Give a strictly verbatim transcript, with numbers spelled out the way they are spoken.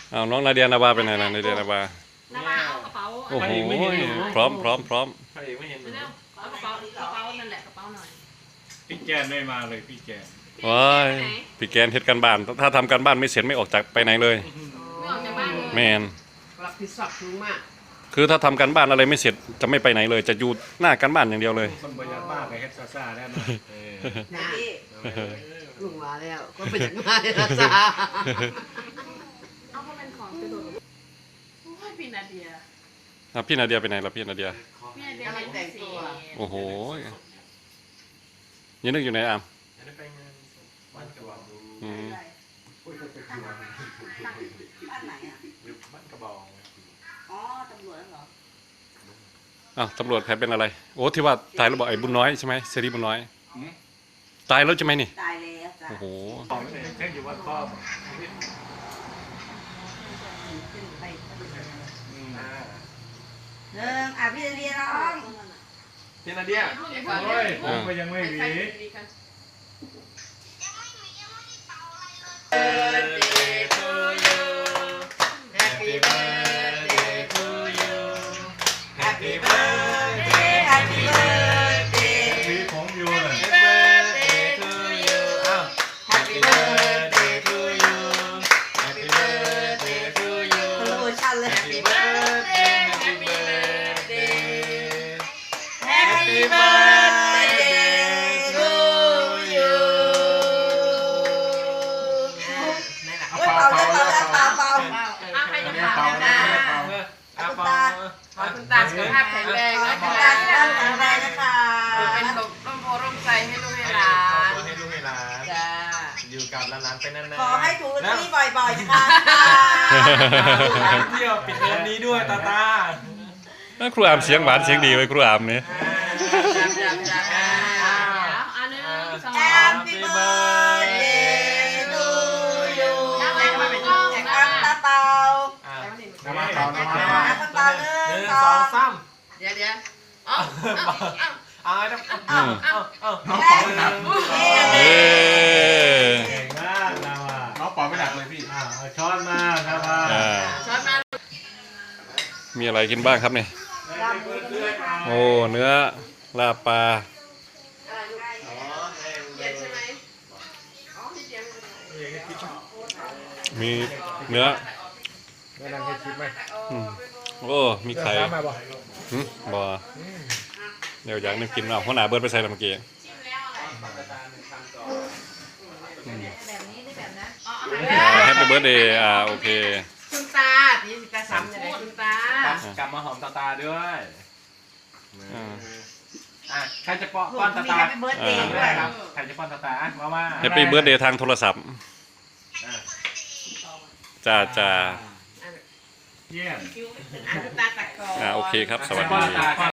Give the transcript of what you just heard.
เอาน้องนาเดียนาบาไปไหนล่ะนาเดียนาบานาบาเอากระเป๋าโอ้โหพร้อมพร้อมพร้อมพระเอกไม่เห็นเลยเอากระเป๋ากระเป๋านั่นแหละกระเป๋าหน่อยพี่แกนไม่มาเลยพี่แกนว้ายพี่แกนเฮ็ดการบ้านถ้าทำการบ้านไม่เสร็จไม่ออกจากไปไหนเลยไม่ออกจากบ้านเลยแมนรับผิดชอบสูงมากคือถ้าทำการบ้านอะไรไม่เสร็จจะไม่ไปไหนเลยจะอยู่หน้าการบ้านอย่างเดียวเลยคนประหยัดมากเลยเฮ็ดซ่าๆแน่นอนนะลุงมาแล้วก็เป็นอย่างไรนะจ๊ะเอาเพราะเป็นของกระโดดโอ้ยพี่นาเดียพี่นาเดียไปไหนล่ะพี่นาเดียพี่นาเดียแต่งตัวโอ้โหยังนึกอยู่ไหนอ่ะอืมบ้านไหนอ่ะบ้านกระบอกอ๋อตำรวจเหรออ้าวตำรวจใครเป็นอะไรโอ้ที่ว่าตายแล้วบอกไอ้บุญน้อยใช่ไหมเสรีบุญน้อยตายแล้วใช่ไหมนี่ตายแล้วจ้ะโอ้โหแค่อยู่วัดป้อมหนึ่งอ่ะพี่เรียนน้องพี่นาเดียโอ้ยผมก็ยังไม่หวี Birthday to you Happy birthday to you Happy birthday Happy birthday วีผมอยู่เลย Happy birthday to you อ้าว Happy birthday to you Happy birthday to you โปรโมชั่นเลย Happy birthday Happy birthday Happy birthday to you เฮ้ยเป่าเลยเป่าเลยเป่าเป่าเอาใครจะเป่าเป่านะเป่าคุณตาขอคุณตาสุขภาพแข็งแรงขอนะคุณคะตาที่ร่างแข็งแรงนะคะเป็นหลบร่มโพร่มใจให้ลูกให้หลานให้ลูกให้หลานจ้าอยู่กับหลานๆไปนานๆขอให้ถูกลอตเตอรี่บ่อยๆนะคะเที่ยวปิดเทอมนี้ด้วยตาตาครูอามเสียงหวานเสียงดีไว้ครูอามเนี่ยจ้าจ้าจ้าอันนึงสองแฮปปี้เบิร์ดเดย์ทูยูแจกตาเป่าน้ำมันเปล่าน้ำมันตาเปล่าเป่าหนึ่หนึ่งงสสออง งสามเดี๋ยวเดี๋ยวเอาเอาไอ้น้ำเอาเอาเอาเอาแฮปปี้เบิร์ดเดเอ้ย์เก่งมากนะว่ะน้องปล่อยไม่หนักเลยพี่อ่าเอาช้อนมาครับว่าอ่าช้อนมามีอะไรกินบ้างครับเนี่ยโอ้เนื้อลาบปลาเย็นใช่ไหมมีเนื้อแม่นั่งให้คิดไหมอืมโอ้มีไข่มาบ่หืมบ่เดี๋ยวอยากนึกกินเอาหัวหน้าเบิร์ดไปใส่ละเมื่อกี้แบบนี้ได้แบบนั้นอ๋อแฮปปี้เบิร์ดเดย์อ่าโอเคคุณตาพี่ตาซ้ำยังไงคุณตากลับมาหอมตาตาด้วยอ่าอ่ะใครจะป้อนถูป้อนกตามีตาแฮปปี้เบิร์ดเดย์ด้วยครับใครจะป้อนตาตามาว่าแฮปปี้เบิร์ดเดย์ทางโทรศัพท์จ้าจ้าเยี่ยมคุณตาตักก่อนอ่าโอเคครับสวัสป้อนดีตา